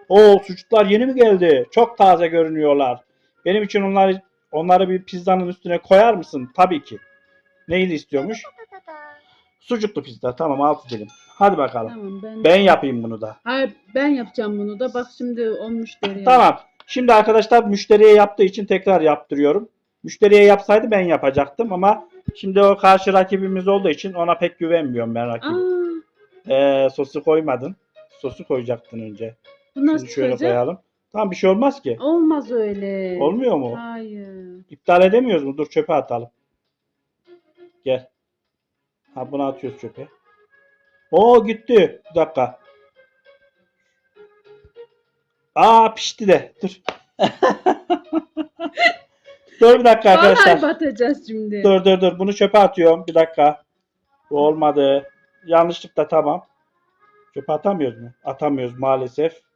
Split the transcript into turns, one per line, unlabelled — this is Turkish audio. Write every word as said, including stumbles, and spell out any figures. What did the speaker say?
Oo, sucuklar yeni mi geldi? Çok taze görünüyorlar. Benim için onları onları bir pizzanın üstüne koyar mısın? Tabii ki. Neyli istiyormuş? Sucuklu pizza. Tamam, altı dilim. Hadi bakalım.
Tamam ben
Ben yapayım bunu da.
Hayır, ben yapacağım bunu da. Bak şimdi o müşteriye.
Tamam. Şimdi arkadaşlar müşteriye yaptığı için tekrar yaptırıyorum. Müşteriye yapsaydı ben yapacaktım ama şimdi o karşı rakibimiz olduğu için ona pek güvenmiyorum ben rakibi.
Aa,
Ee, sosu koymadın. Sosu koyacaktın önce.
bu nasıl
Şimdi şöyle
çıkacak?
koyalım. Tamam, bir şey olmaz ki.
Olmaz öyle.
Olmuyor mu?
Hayır.
İptal edemiyoruz mu? Dur, çöpe atalım. Gel. Ha, bunu atıyoruz çöpe. Oo, gitti. Bir dakika. Aa, pişti de. Dur. Dur bir dakika
Vallahi
arkadaşlar.
batacağız şimdi.
Dur dur dur. Bunu çöpe atıyorum. Bir dakika. Bu olmadı. Yanlışlıkla, tamam. Çöpe atamıyoruz mu? Atamıyoruz maalesef.